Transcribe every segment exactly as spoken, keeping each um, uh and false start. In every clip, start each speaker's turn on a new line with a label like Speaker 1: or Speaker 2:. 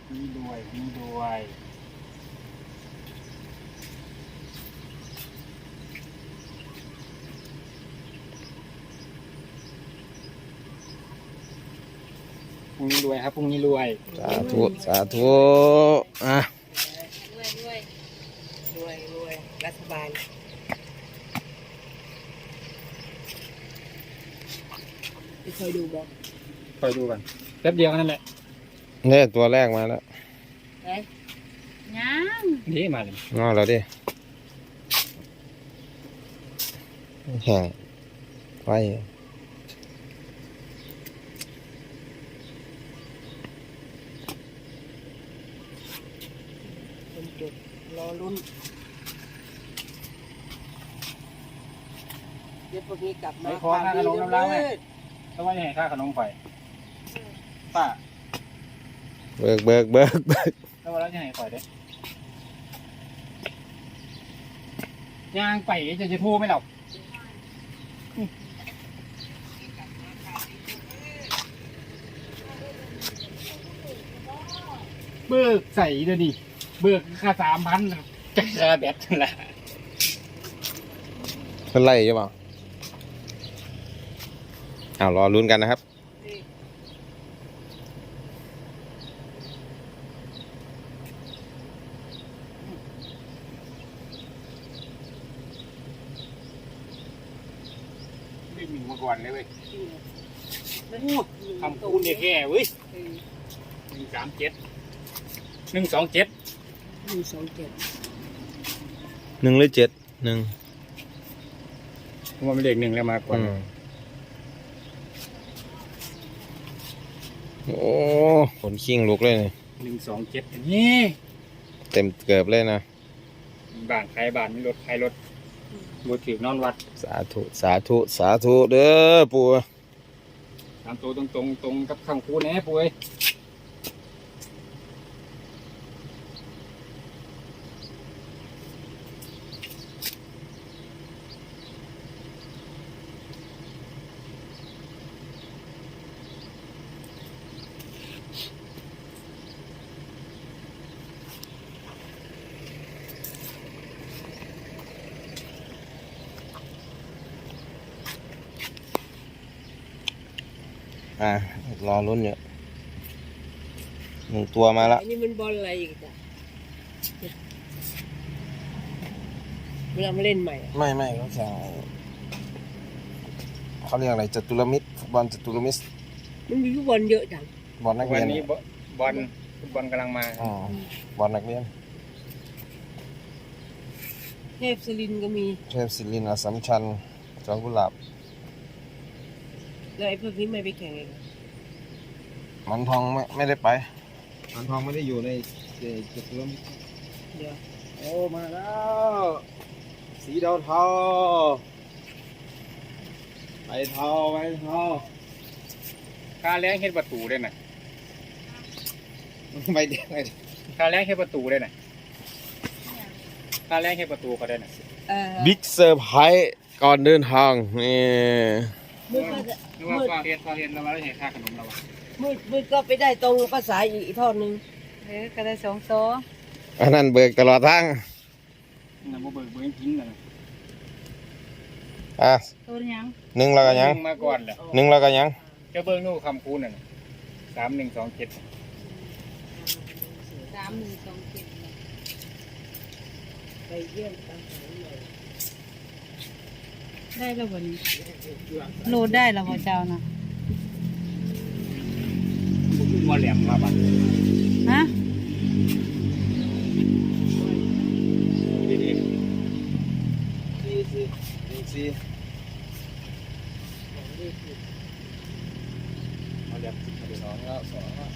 Speaker 1: นี่ด้วยนี่ด้วยพรุ่งนี้รวยครับพรุ่งนี้รวย
Speaker 2: สาธุสาธุอ่ะ
Speaker 3: รวยรวยรวยรวยรัฐบาลไปคอยดูบอก
Speaker 1: คอยดูกันแป๊บเดียวนั่นแหละ
Speaker 2: เนี่ยตัวแรกมาแล้ว
Speaker 3: ไหนยัง
Speaker 1: นี่มาเลย
Speaker 2: งอแล้วดิแห้งไฟ
Speaker 3: คนจุดรอลุ้นเดี๋ยวพวกนี้กลับมา
Speaker 1: ขอค่าขนมน้ำร้านไหมถ้าว่าจะให้ค่าขนมไฟป้า
Speaker 2: เบิกเบิกเบิกเบิก
Speaker 1: ถ้าว่าเราจะให้ไฟเด้ย่างไปจะจะโทรไหมเราเบิกใส่เดี๋ยวดิเบิกค่าสามพันจะค่าแบตนั่นแหละ
Speaker 2: เป็นไรใช่ป่ะอ้าวรอลุ้นกันนะครับ
Speaker 1: ไม่มีมาก่อนเลยเว้ยทำคูณเนี่ยแค่เว้ยหนึ่งสามเจ็ดหนึ่งสองเจ็ด
Speaker 3: หนึ่งสองเจ็ด
Speaker 2: หนึ่งหรือเจ็ดหนึ่ง
Speaker 1: ผมว่าเป็นเลขหนึ่งแล้วมากกว่า
Speaker 2: โอ้ขนขิ้งลุกเลยนี่
Speaker 1: หนึ่งสองเจ็ดนี่
Speaker 2: เต็มเกือบเลยนะ
Speaker 1: บ้านใครบ้านไม่รถใครรถบูถือนอนวัด
Speaker 2: สาธุสาธุสาธุเด้อปู่
Speaker 1: ตามตัวตรงตรงตรงกับข้างคูแน่ปู่เอ้ย
Speaker 2: อ่ะรอลุ้นอยู่หนึ่งตัวมาแล้ว
Speaker 3: อันนี้มันบอลอะไรอีกจ้ะเวลามาเล่นใหม่
Speaker 2: ไม่ไม่เขาแข่งเขาเรียกอะไรจตุรมิตรบอลจตุรมิตร
Speaker 3: มันมีฟุตบอลเยอะจัง
Speaker 2: บอลนักเรียน
Speaker 1: วันนี้บอลฟุตบอลกำลังมา
Speaker 2: อ๋อบอลนักเรียน
Speaker 3: เทพศิรินทร์ก็มี
Speaker 2: เทพศิรินทร์อัสสัมชัญจอมกุหลาบ
Speaker 3: แล้วไอ้พวกนี้ไม่ไปแข่งเอง
Speaker 2: มันทองไม่ไม่ได้ไปมันทองไม่ได้อยู่ในจุดเริ่ม
Speaker 3: เดี๋ยว
Speaker 2: โอ้มาแล้วสีดาวเทาไปเทาไปเทา
Speaker 1: ค่าแรงเฮ็ดประตูได้น่ะ
Speaker 2: ไปเด็กไป
Speaker 1: ค่าแรงเฮ็ดประตูได้น่ะค่าแรงเฮ็ดประตูก็ได้น่ะ
Speaker 2: บิ๊กเซอร์ไพรส์ก่อนเดินทางนี่
Speaker 3: มืด
Speaker 1: นึกว่าฟังเรียนฟังเรียนแล้วว่าได้เห็นค่าขนมเราอ่ะ
Speaker 3: มืดมืดก็ไปได้ตรงภาษาอีกทอดนึง
Speaker 4: เออก็ได้สองโซ
Speaker 2: อันนั้นเบิกตลอดทาง
Speaker 1: นั่นบ่เบิกเบิกจริงน่ะ
Speaker 2: อ่ะ
Speaker 4: ตัวยัง
Speaker 2: หนึ่งแล้วก็ยัง
Speaker 1: มาก่อนแหละ
Speaker 2: หนึ่งแล้วก็ยัง
Speaker 1: จะเบิกนู่นคำคูณน่ะสามหนึ่งสองเจ็ด
Speaker 4: สามหนึ่งสองเจ็ด
Speaker 3: ไปเยี่ยมตาม
Speaker 4: ได้แล้ววันนี้โหลดได้แล้วพ่อเจ้านะ
Speaker 1: มัวแหลมมาบ้าน
Speaker 4: ฮะ
Speaker 2: สี่สี่หนึ่งสี่
Speaker 1: มาแหลมสองแล้วสองแล้ว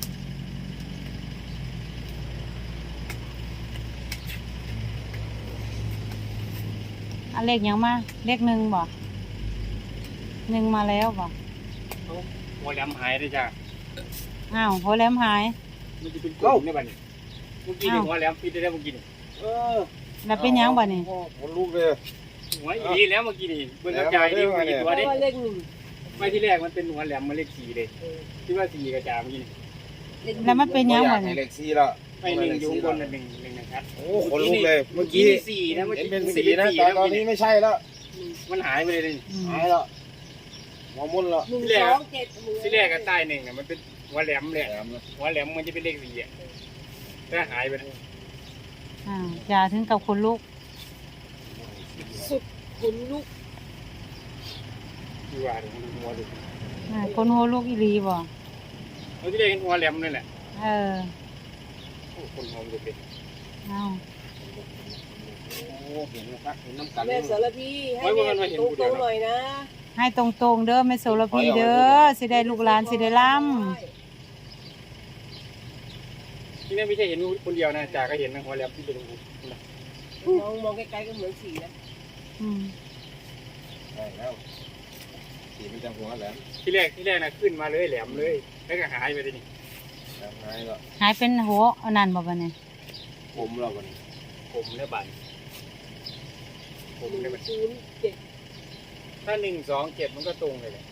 Speaker 4: อันเลขยังมาเลขหนึ่งบ่หนึ่งมาแล้วบ่
Speaker 1: มัวแหลมหายได้จ้ะ
Speaker 4: อ้าวหัวแหลมหาย
Speaker 1: มันจะเป็นกลุ่มในบ้านนี้เมื่อกี้นี่หัวแหลมปิดได้แล้วเมื่อกี้นี่
Speaker 2: เออ
Speaker 4: แล้วเป็นยังบ่นี่
Speaker 2: หัวลูกเลย
Speaker 1: หัวอีแล้วเมื่อกี้นี่เบิ่งกระจายนี่มีตัวเด้
Speaker 3: เลขหนึ่ง
Speaker 1: ไม่ที่แรกมันเป็นหัวแหลมมาเลขสี่เลยที่ว่าสี่กระจายเมื่อกี้นี่
Speaker 4: แล้วมันเป็นยัง
Speaker 2: บ่อ
Speaker 4: ไง
Speaker 2: ยากให้เลขสี่แล้ว
Speaker 1: ไม่หนึ่งอยู่ข้างบนน่ะหนึ่งหนึ่งนะครับ
Speaker 2: โอ้คนลุกเลยเมื่อกี้
Speaker 1: สี่นะเมื่อ
Speaker 2: เห็น
Speaker 1: กี้
Speaker 2: เป็นสีนะแต่ตอนนี้ไม่ใช่แล้ว
Speaker 1: มันหายไปเลยนี่
Speaker 2: หายแล้วหัวมุนแล้ว
Speaker 3: หนึ่งสองเจ็ด
Speaker 1: ที่แรกก็ใต้หนึ่งอ่ะมันเป็นหัวแหลมเลย
Speaker 2: แหลมเลย
Speaker 1: หัวแหลมมันจะเป็นเลขสี่อ่ะแต่หายไปแล้ว
Speaker 4: อ่าอย่าถึงกับคนลุก
Speaker 3: สุดขนลุก
Speaker 1: ดูว่าดูหัวดู
Speaker 4: อ่าคนหัวลุกอีหลีบ่
Speaker 1: เราที่แรกเห็นหัวแหลมนั่นแหละ
Speaker 4: เออ
Speaker 1: โอ้คนหอมดูเป็น
Speaker 4: เอา
Speaker 2: โอ้เห็นนะครับเห็นน้ำกัน
Speaker 3: แม่สารพีให้แม่ตรงๆหน่อยนะ
Speaker 4: ให้ตรงๆเด้อแม่โสระพีเด้อสิได้ลูกหลานสิได้ล่
Speaker 1: ที่นี่ไม่ใช่เห็นคนเดียวนะจ่าก็เห็นนะหัวแหลมที่เป็นหูนะ
Speaker 3: มองมองไกลๆก็เหมือนสีนะ
Speaker 4: ำอืม
Speaker 2: ใช่แล้วสีมันจะหัวแหลม
Speaker 1: ที่แรกที่แรกนะขึ้นมาเลยแหลมเลยแล้วก็หายไปเลยนี่
Speaker 2: แหลมหายแล้ว
Speaker 4: หายเป็นหัวอันนั้นบ่บัดนี้
Speaker 2: ผมเราวันนี้
Speaker 1: ผมเนี่ยบันผม
Speaker 3: ห
Speaker 1: เนี่ย
Speaker 3: นึ่
Speaker 1: มัน
Speaker 3: งศูนย์เจ็ด
Speaker 1: ถ้าหนึ่งสองเจ็ดมันก็ตรงเลยแหละ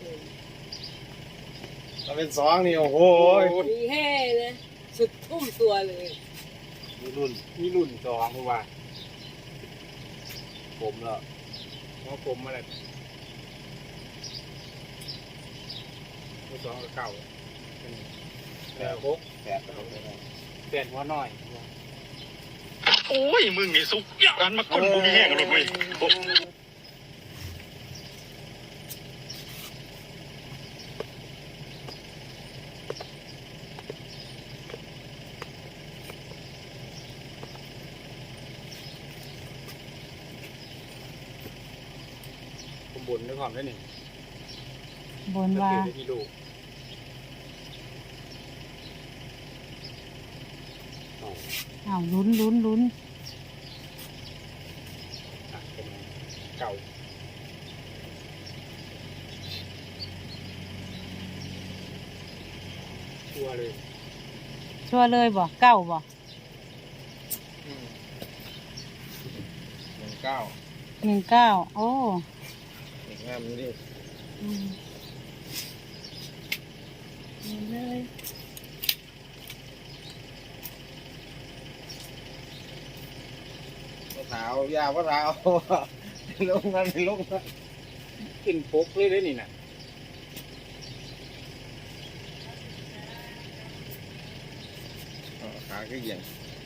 Speaker 2: ถ้าเป็นสองนี่โอ้โห
Speaker 3: มีแห่เลยสุดทุ่มตัวเลย
Speaker 2: มีรุ่น
Speaker 1: มีรุ่นสองเพราะว่า
Speaker 2: ผมแล้ว
Speaker 1: เพราะผมอะไรตัวสองกับเก่าแต่หก
Speaker 2: แปดแล้วเลย
Speaker 1: แปดหัวน้อย
Speaker 5: โอ้ย มึงนี่สุกการมาก้นกูมีแห้งเลยเว้ยโอ้
Speaker 1: ผมบุญด้วยความได้หนึ่ง
Speaker 4: บน
Speaker 1: ก็
Speaker 4: ว่า
Speaker 1: คือได้ที่ลูก
Speaker 4: อ้าวลุ้นลุ้นลุ้น
Speaker 1: อ่ะเป็นเก่าชัวร์เลย
Speaker 4: ชัวร์เลยบ่เก้าบ่
Speaker 2: หนึ่งเก้า
Speaker 4: หนึ่งเก้าโอ้
Speaker 2: เด็กงามนี่ดิ
Speaker 4: อืม
Speaker 3: เลย
Speaker 2: มะพร้าวยาวมะพร้าวลงนั่นลงนั่น
Speaker 1: ขึ้นปกเลยเลยนี่นะ
Speaker 2: ขาก็เหี่ยง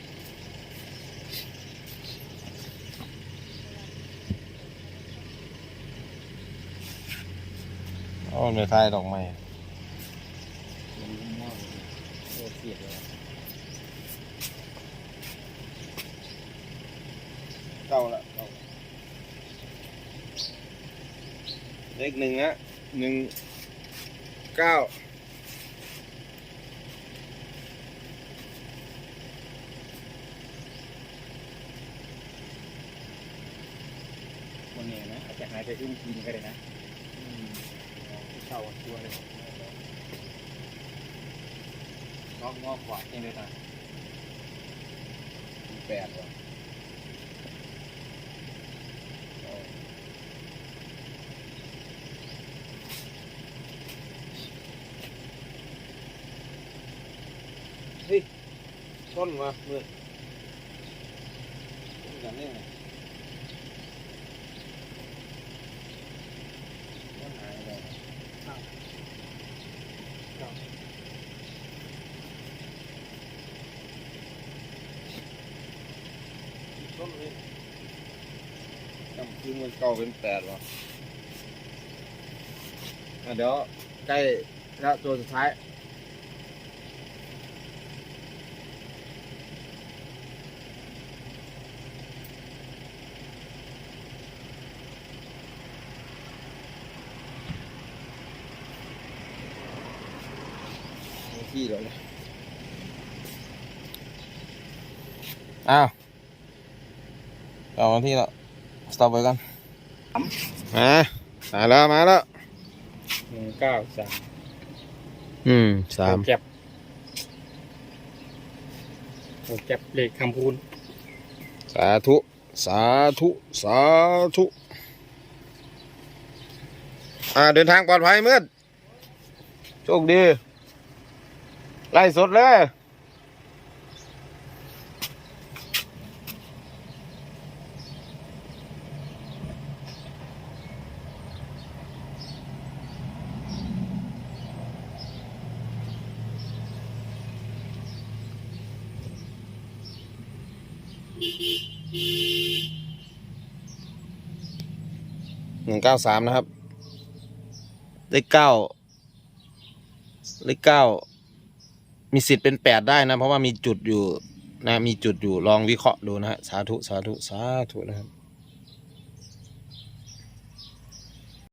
Speaker 2: โอ้ไม่ใช่ดอกไม้เก้าละเก้าเลขหนึ่งนะหนึ่งเก้า
Speaker 1: คนนี้นะอาจจะหายไปขึ้นกินก็ได้นะเก่าชัวร์เลย
Speaker 2: งอกงอกขวาเองเลยนะแปดว่ะเฮ้ยต้นมาเมื่อต้นกันนี่ไงต้นหายไปต้นนี้จำคือมันเก่าเป็นแปดวะอ่ะเดี๋ยวใกล้แล้วตัวสุดท้ายที่แล้วนะอ้าวต่อมาที่แล้วสต็อปไปกันมามาแล้วมาแล้ว
Speaker 1: หนึ่งเก้าสาม
Speaker 2: อืมสาม
Speaker 1: แก็บโอ้แก็บเลขคำพูน
Speaker 2: สาธุสาธุสาธุอ่าเดินทางปลอดภัยมืดโชคดีไล่สดเลยหนึ่งเก้าสามนะครับเลขเก้าเลขเก้ามีสิทธิ์เป็นแปดได้นะเพราะว่ามีจุดอยู่นะมีจุดอยู่ลองวิเคราะห์ดูนะฮะสาธุสาธุสาธุนะครับ